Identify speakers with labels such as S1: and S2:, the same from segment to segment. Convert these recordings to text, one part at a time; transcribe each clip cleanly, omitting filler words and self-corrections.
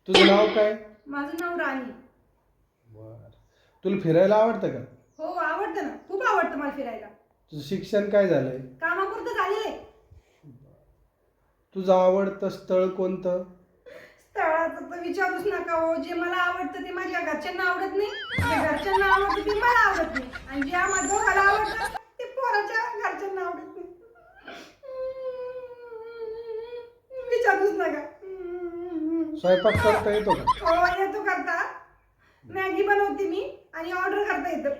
S1: तुझं नाव काय?
S2: माझं नाव राणी.
S1: बर. तुला फिरायला आवडतं का?
S2: हो आवडतं ना, खूप आवडतं मला फिरायला.
S1: तुझं शिक्षण काय झालंय?
S2: कामापुरतं झालेलं आहे.
S1: तुझं आवडतं स्थळ कोणतं?
S2: स्थळाचं तर विचारूच नका हो. जे मला आवडतं ते माझ्या घरच्यांना आवडत नाही, जे घरच्यांना आवडतं ते मला आवडत नाही, आणि जे आम्हाला दोघाला आवडतं ते पोराच्या घरच्यांना आवडत नाही. विचारूच नका.
S1: स्वयंपाक करता येतो का?
S2: हो येतो करता. मॅगी बनवते मी आणि ऑर्डर करता येतं.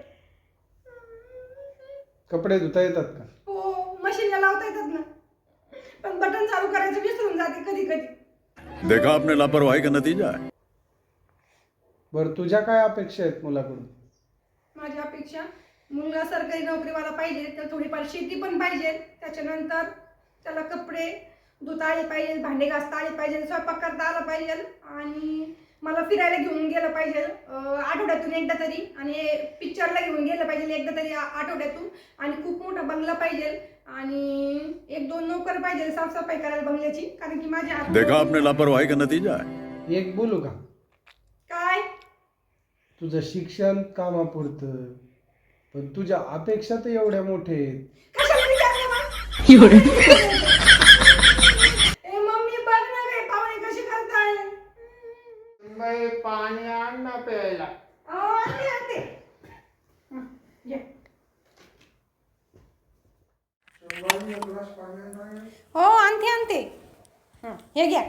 S1: कपडे धुता येतात का?
S2: हो मशीनला लावता येतात ना, पण बटन चालू करायचं विसरून जाते कधी कधी.
S3: देखा आपने लापरवाही का नतीजा है.
S1: बरं, तुझ्या काय अपेक्षा आहेत मुलाकडून?
S2: माझी अपेक्षा मुलगा सरकारी नोकरीवाला पाहिजे, त्याला थोडीफार शेती पण पाहिजे, त्याच्यानंतर त्याला कपडे धुता आले पाहिजे, भांडे घासता आले पाहिजे, स्वयंपाक करता आला पाहिजे, आणि मला फिरायला घेऊन गेलं पाहिजे आठवड्यातून एकदा तरी, आणि पिक्चरला घेऊन गेलं पाहिजे एकदा तरी आठवड्यातून, आणि खूप मोठा बंगला पाहिजे, आणि एक दोन नोकर पाहिजे साफसफाई करायला बंगल्याची, कारण की माझ्या
S3: देखा आपने लापरवाही का नतीजा है.
S1: एक बोलू का?
S2: काय
S1: तुझं शिक्षण कामापुरतं, पण तुझ्या अपेक्षा तर एवढ्या मोठ्या आहेत.
S2: कशाला विचारलं मग? ए मम्मी बघ ना काय पाहुणे कशी करताय.
S4: बाई पाणी आण ना प्यायला.
S2: आणते आणते. घे. हो आणते आणते. हे घ्या.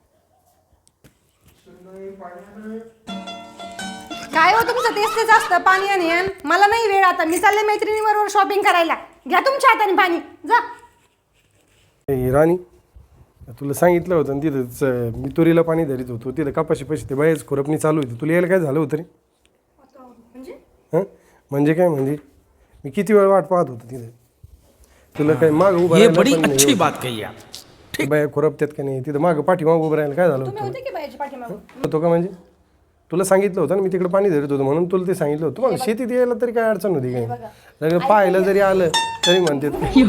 S2: काय हो तुमचं तेच तेच असतं पाणी आणि आण. मला नाही वेळ आता, मी चालले मैत्रिणीबरोबर शॉपिंग करायला. घ्या तुमच्या हाताने पाणी जा.
S5: राणी, तुला सांगितलं होतं ना तिथं मी तुरीला पाणी धरीत होतो, तिथं कपाशी पैसे ते बाहेरच खुरपणी चालू होती. तुला यायला काय झालं होतं रे?
S2: म्हणजे
S5: हां म्हणजे काय, म्हणजे मी किती वेळ वाट पाहत होतो तिथं. तुला काय मागं उभं राहायला पण नाही.
S6: अच्छी बात कही आप.
S5: ते बाया खुरपत्यात का नाही, तिथं मागं पाठीमागं उभं राहायला काय झालं
S2: तुम्ही
S5: होतं?
S2: होते की बायाच्या पाठीमागं?
S5: होतो का म्हणजे? तुला सांगितलं होतं ना मी तिकडे पाणी धरत होतो म्हणून, तुला ते सांगितलं होतं. तुम्हाला शेतीत यायला तरी काय अडचण होती काय? सगळं पाहायला जरी आलं तरी म्हणते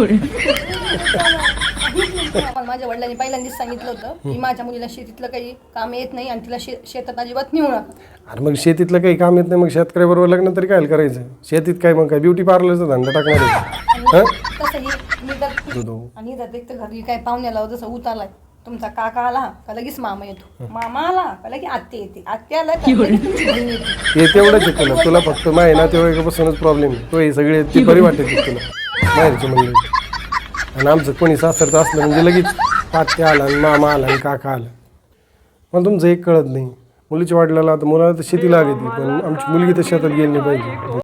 S2: माझ्या वडिलांनी पहिल्यांदाच सांगितलं होतं की माझ्या मुलीला शेतीतलं काही काम येत नाही, आणि तिला शेतात अजिबात नेऊ नका.
S5: अरे मग शेतीतलं काही काम येत नाही, मग शेतकऱ्याबरोबर लग्न तरी काय करायचं? शेतीत काय मग काय ब्युटी पार्लरचा धंदा टाकणार आहे?
S2: तसंही मी तर, आणि जर एक तर घरी काय पाहुण्याला जसं उतारलाय, तुमचा काका आला का लगेच मामा येतो, मामा आला का लगेच आत्या येते, आत्या आला का लगेच तुमची बहीण येते.
S5: हे तेवढंच आहे तुला फक्त माय ना तेव्हापासूनच प्रॉब्लेम आहे. तो हे सगळे ती बरी वाटते तुला बाहेरचे म्हणले. आणि आमचं कोणी सासरचं असलं म्हणजे लगेच आत्या आला आणि मामा आला आणि काका आला. पण तुमचं एक कळत नाही, मुलीच्या वाटल्याला आता मुलाला तर शेती लागते, पण आमची मुलगी तर शेतात गेली नाही पाहिजे.